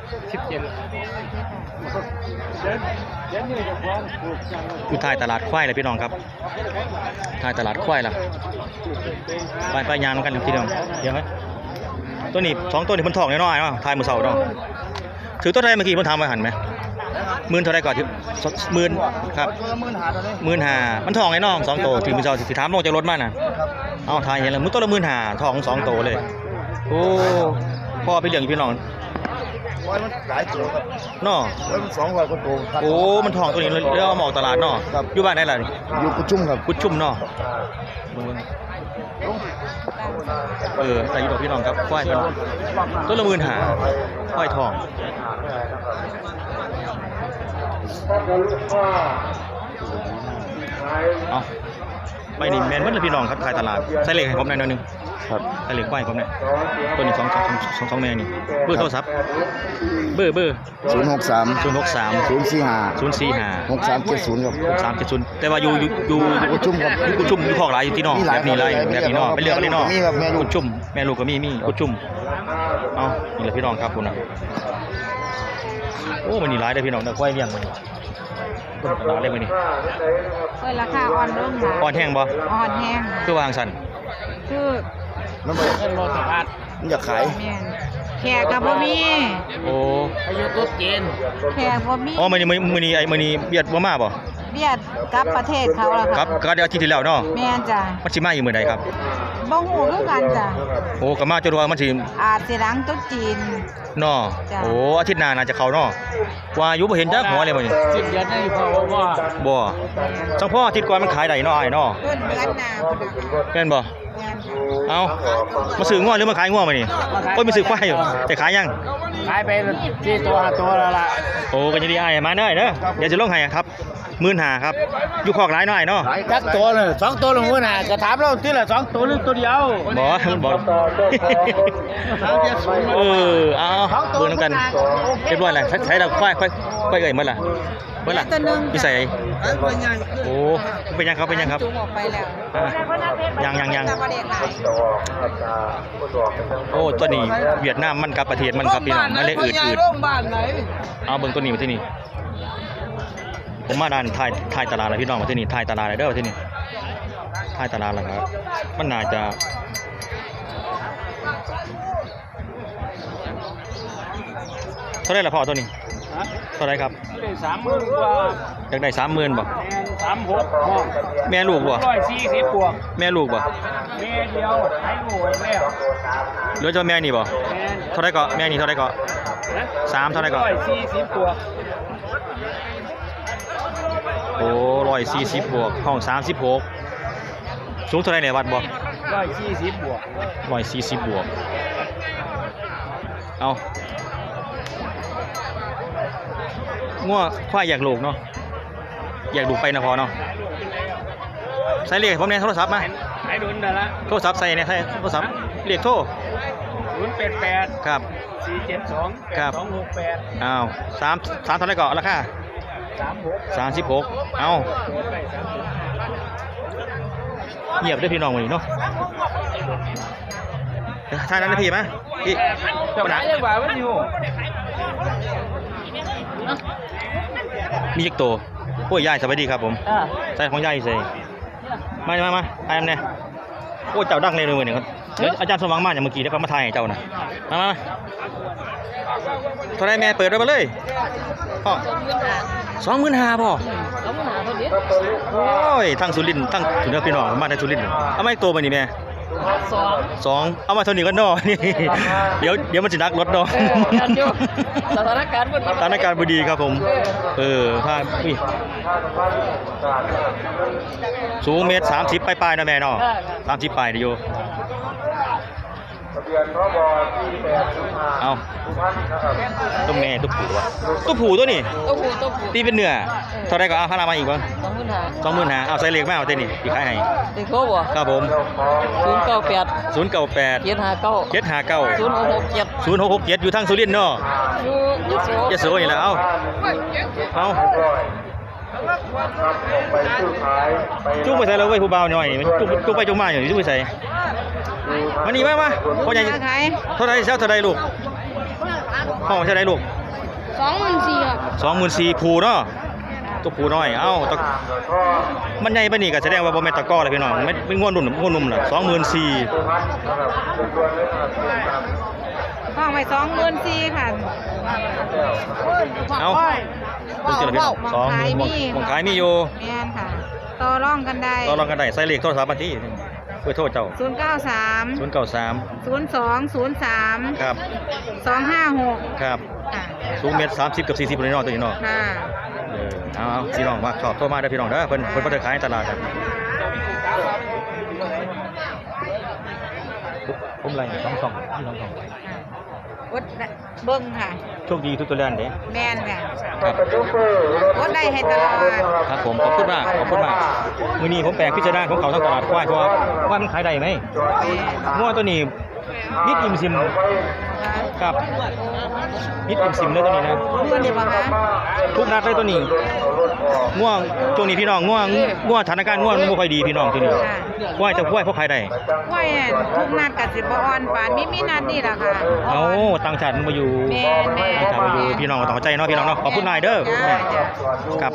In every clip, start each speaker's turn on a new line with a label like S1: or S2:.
S1: อยู่ท้ายตลาดควายเลยพี่น้องครับท้ายตลาดควายล่ะไปยางกันพี่น้องเดี๋ยวไหมตัวนี้2ตัวนี้มันทองน้อยๆเนาะทายมือเสาเนาะถือตัวใดเมื่อกี้มันทำไว้หันไหม10,000เท่าไรก่อนที่10,000ครับ15,000มันทองไอ้น้อง2ตัวถือมือเสาถือถามลงจากรถมาน่ะเอาทายเห็นแล้วมือตัวละ15,000ทอง2ตัวเลยโอ้พ่อไปเลี้ยงพี่น้อง
S2: มันหลายตัวครับ
S1: เนาะ
S2: มัน200กว่าตัว
S1: โอ้มันทองตัวนี้เรียกว่าหมอกตลาดเนาะอยู่บ้านไหนล่ะ
S2: อยู่กุดชุ่มครับ
S1: กุดชุ่มเนาะใส่ยูโรพี่น้องครับควายต้นละ15,000ควายทองเอาไปนี่แมนมันเลยพี่น้องครับขายตลาดใส่เหล็กให้ผมหน่อยนึงครับใส่เหล็กควายผมเนี่ยตัวนี้2แม่นี่เบอร์โทรศัพท์เบอร์
S2: 063
S1: 045
S2: 6370ครับ
S1: 6370แต่ว่าอยู่
S2: กุดชุ่มครับ
S1: กุดชุ่มอยู่คอกหลายอยู่ที่นอกแบบนี้เลยแบบนี้เนาะไปเลือกเลยเนาะ
S2: มีครับแม่ลูก
S1: กุดชุ่มแม่ลูกก็มีกุดชุ่มเอานี่แหละพี่น้องครับคุณนะโอ้มันนี่ร้ายได้พี่น้องแต่ควายเลี้ยงมันร้ายเลยมันนี่
S3: ราคาอ่อนลงค่ะ
S1: อ่อนแห้งบ่
S3: อ่อนแห้ง
S1: คือวางสัน
S3: คือ
S2: มันบ่สภาพมันอยากขาย
S3: แขกกับบ่มี
S1: โอ้
S3: อายุตุ๊ดจีนแขกบ่มี
S1: อ๋อมันนี่เบียดบ่มาบ่
S3: เบียดกับประเทศเขาล่ะครับ
S1: ก็เดี๋ยวอาทิตย์ที่แล้วเนาะ
S3: แม่นจ้ะ
S1: มันสิมาอยู่มื้อใดครับ
S3: บ่ฮู้คือกันจ้ะ
S1: โอ้ก็มาจนว่ามันสิ
S3: อาจสิหลังตุ๊ดจีน
S1: เนาะโอ้อาทิตย์หน้าน่าจะเข้าเนาะว่าอยู่บ่เห็นจักหัวเลยมื้อนี้
S3: 10 เดือนนี่พอ
S1: บ่จังพ่ออาทิตย์ก่อนมันขายได้เนาะอ้ายเนาะ
S3: เดือนหน้า
S1: แม่นบ่เอามาซื้อง้อหรือมาขายง้อมานี่โอ้ยมาซื้อควายอยู่แต่ขายยัง
S3: ขายไป4 ตัว 5 ตัวแล้วล่ะ
S1: โอ้กันจะดีอ้ายมาเด้อเดี๋ยวจะลงให้ครับ15,000ครับอยู่คอกหลายหน่อยเนาะ
S3: จักตัวเลย2ตัวลง15,000ก็ถามเราทีละ2ตัวหรือตัวเดียว
S1: บ่เอาเบิ่งนำกันเรียบร้อยแล้วใช้เราควายเอ้ยหมดล่ะพี่ใส่โอ้เป็นยังครับ
S3: จุกออกไปแล้ว
S1: ยังโอ้ตัวนี้เวียดนามมันกับประเทศมันครับพี่น้องมันเลยอืดเอาเบิ่งตัวนี้มาที่นี่ผมมาด้านท้ายตลาดแล้วพี่น้องมาที่นี่ท้ายตลาดเลยเด้อที่นี่ท้ายตลาดแล้วครับมันน่าจะเท่าไรล่ะพ่อตัวนี้เท่าไรครับ
S3: 30,000กว่า
S1: อยากได้30,000บ่
S3: 36
S1: แม่ลูกบ่
S3: 140บวก
S1: แม่ลูกบ่
S3: แม่เดียวให้ลูกแล้ว
S1: เหลือเจ้าแม่นี่บ่เท่าไรก็แม่นี่เท่าไรก็3เท่าไรก็
S3: 140บวก
S1: โอ้140บวกห้อง36สูงเท่าไรเนี่ยวัดบ่
S3: 140บวก
S1: 140บวกเอางัวควายอยากลูกเนาะอยากลูกไปนะพอเนาะใส่เรียกผมเนี่ยโทรศัพท์มา
S3: ให้ดุนเด้อละ
S1: โทรศัพท์ใส่เนี่ยใส่โทรศัพท์เรียกโทร
S3: 088
S1: ครับ
S3: 472
S1: ครับ
S3: 268
S1: อ้าว3เท่าไรก่อนราคา36เอาเงียบด้วยพี่น้องวันนี้เนาะท่านั้นนะพี่มั้ยพี่ปัญหามีจักตัวโอ้ยยายสวัสดีครับผมใส่ของยายใส่มาไอ้แม่โอ้เจ้าดังเลยมือหนึ่งครับเดี๋ยวอาจารย์สว่างมาอย่างเมื่อกี้แล้วก็มาถ่ายเจ้านะมาเท่าไรแม่เปิดไว้มาเลยพ่อ25,000พ่อโอ้ยทั้งสุรินทร์ทั้งถึงพี่น้องมาในสุรินทร์เอาไม่ตัวมานี่แม่2เอามาเท่านี้ก็นอนี่เดี๋ยวมันจะนักรถเนาะ
S3: สถานการณ์
S1: บ่ดีครับผมพาสูง1.30 ปลายๆนะแม่เนาะ30ปลายเดี๋ยวเอาตัวแม่ตัวผู้วะตัวผู้ตัวนี้ตีเป็นเนื้อเท่าไรก็เอาพารามาอีกวะ25,000เอาใส่เล็กแม่เอาเต้นนี่อีกขายให้
S3: เด็กโก้บ่
S1: ครับผม
S3: 098 759
S1: 0667อยู่ทางสุรินทร์เนาะยโสนี่แหละเอาจุ๊บไปใส่แล้วเว้ยผู้บ่าวหน่อยจุ๊บไปจุ๊บมาอยู่จุ๊บไปใส่มานี่มาพ่อใหญ่เท่าไรลูกพ่อเท่าไรลูก
S4: 24,000ครับ
S1: 24,000ผูเนาะตัวผูน้อยเอ้าตะมันใหญ่ปานนี้ก็แสดงว่าบ่แม่นตะก้อเลยพี่น้องไม่เป็นง่วนนุ่มล่ะ24,000
S4: ห้องไว้24,000ค่ะ
S1: เอ้าคุณเจริญพี่น้องของขายมีอยู่
S4: แม่นค่ะต่อรองกันได้
S1: ต่อรองกันได้ใส่เลขโทรศัพท์มาที่เพื่อโทษเจ้า
S4: 093
S1: 093
S4: 0203
S1: ครับ
S4: 256
S1: ครับ
S4: ค่ะ
S1: สูงเมตร30กับ40เลยเนาะตัวนี้เนาะ
S4: ค่ะ
S1: เอาพี่น้องมาชอบโทรมาเด้อพี่น้องเด้อเพิ่นบ่ได้ขายในตลาดครับผมไล่2พี่น้อง
S4: อดได้เบิ่งค่ะ
S1: โชคดีทุกตัวแลนเด้
S4: แม่นค่ะ
S1: ครับ
S4: อดได้ให้ตลอด
S1: ครับผมขอบคุณมากมื้อนี้ผมแปลกพิจารณาของเขาทั้งตลาดควายเพราะว่ามันขายได้ไหมงัวตัวนี้นิดอิ่มซิมครับนิดอิ่มซิมเลยตัวนี้นะ
S4: เพื่อนดีป่ะคะ
S1: ทุกนัดเลยตัวนี้ง่วงช่วงนี้พี่น้องง่วงสถานการณ์ง่วงมันบ่ค่อยดีพี่น้องตัวนี้ควายจะควายพวกใครได้
S4: ไหวทุกนัดกับสิบออนปานมีนัดนี่แหละค่ะ
S1: เอาต่างชาติมันมาอยู่
S4: แม่
S1: ต่างชาติมาอยู่พี่น้องก็ต้องเข้าใจเนาะพี่น้องเนาะขอบคุณนายเด้อ
S4: จ้าจ้า
S1: ครับ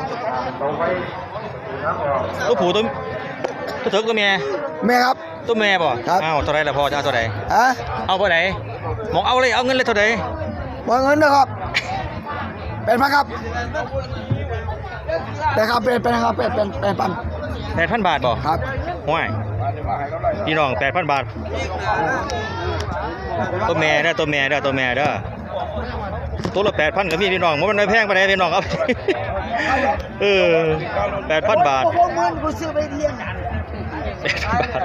S1: ตัวผู้ตัวเถิกตัวแม่
S2: แม่ครับ
S1: ตัวแม่บ่
S2: ครับ
S1: อ้าวเท่าไรล่ะพ่อจะเอาเท่าไร
S2: ฮะ
S1: เอาเท่าไหร่มองเอาเลยเอาเงินเลยเท่าไหร่
S2: บ่เงินนะครับเป็นพันครับเป็นครับเป็นครับเป็นพัน
S1: 8,000 บาทบ่
S2: ครับ
S1: ห้วยพี่น้อง 8,000 บาทตัวแม่เด้อตัวแม่เด้อตัวละ 8,000ก็มีพี่น้องมันไม่แพงปานใดพี่น้องครับ 8,000 บาท
S2: ผมเงินกูซื้อไปเลี้ยง
S1: 8,000 บาท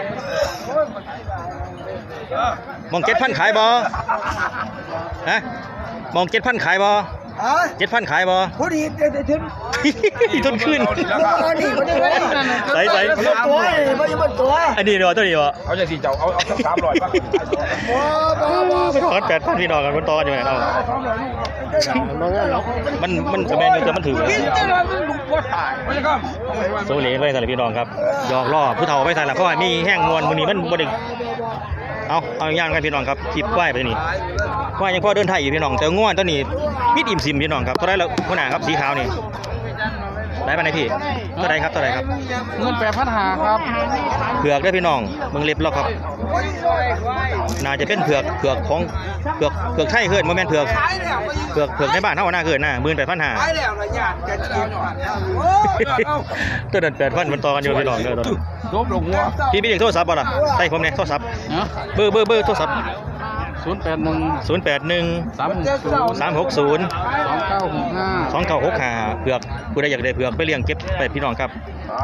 S1: มอง7,000ขายบ่ฮะมอง7,000ขายบ่
S2: ฮะ
S1: 7,000ขายบ่
S2: ผู้ดีเดี๋ยวถึง
S1: ต้นขึ้น
S2: นี่คนนี้
S1: ใส่
S2: ตัวนี่บ่อยู่บนตัว
S1: อันนี้เนาะตัวนี้บ่
S5: เอาจากสี่เจ้าเอาสัก300ป่ะ
S1: ไปถอน8,000พี่น้องกันมันต่อกันอยู่นั่นเอามันจะแม่นอยู่แต่มันถือโซเลไว้ใส่ละพี่น้องครับหยอกล้อผู้เฒ่าไว้ใส่ละเพราะว่ามีแห้งมวนมื้อนี้มันบ่ได้เอาย่างกันพี่น้องครับคลิปควายไปนี่ควายยังพอเดินไทยอยู่พี่น้องแต่ง่วนตัวนี้มิดอิ่มซิมพี่น้องครับเท่าไรแล้วหัวหน้าครับสีขาวนี่ได้ปานไหนพี่เท่าไรครับ
S3: เงิน8,500ครับ
S1: เผือกได้พี่น้องเบิ่งเล็บแล้วครับน่าจะเป็นเผือกของเผือกไทยเกินบ่แม่นเผือกในบ้านเฮาน่าเกินนะ18,500ตัวนั้น8,000มันต่อกันอยู่พี่น้องเด้อตัวนั้น
S3: จบลงหัว
S1: พี่มีเลขโทรศัพท์บ่ล่ะใส่ผมเนี่ยโทรศัพท์
S3: เนาะ
S1: เบอร์โทรศัพท์
S3: 081
S1: 081 360
S3: 2965
S1: 2965เผือกผู้ใดอยากได้เผือกไปเลี้ยงเก็บไปพี่น้องครับ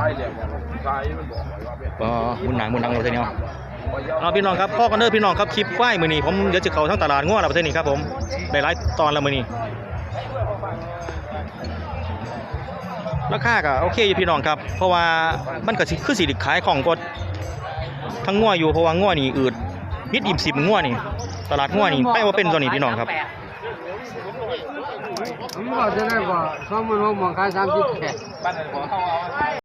S1: มุนหนังเราเท่านี้เอาพี่น้องครับพ่อกันเด้อพี่น้องครับคลิปควายมื้อนี้ผมเดี๋ยวจะเข้าทั้งตลาดงัวแล้วประเทศนี้ครับผมได้หลายตอนแล้วมื้อนี้ราคาก็โอเคอยู่พี่น้องครับเพราะว่ามันก็คือสิขายของก็ทั้งงัวอยู่เพราะว่างัวนี่อืดมิดอิ่ม10งัวนี่ตลาดงัวนี่ไปว่าเป็นตัวนี้พี่น้องครับ
S3: ผมว่าจะได้กว่า20,000มองขาย30แค่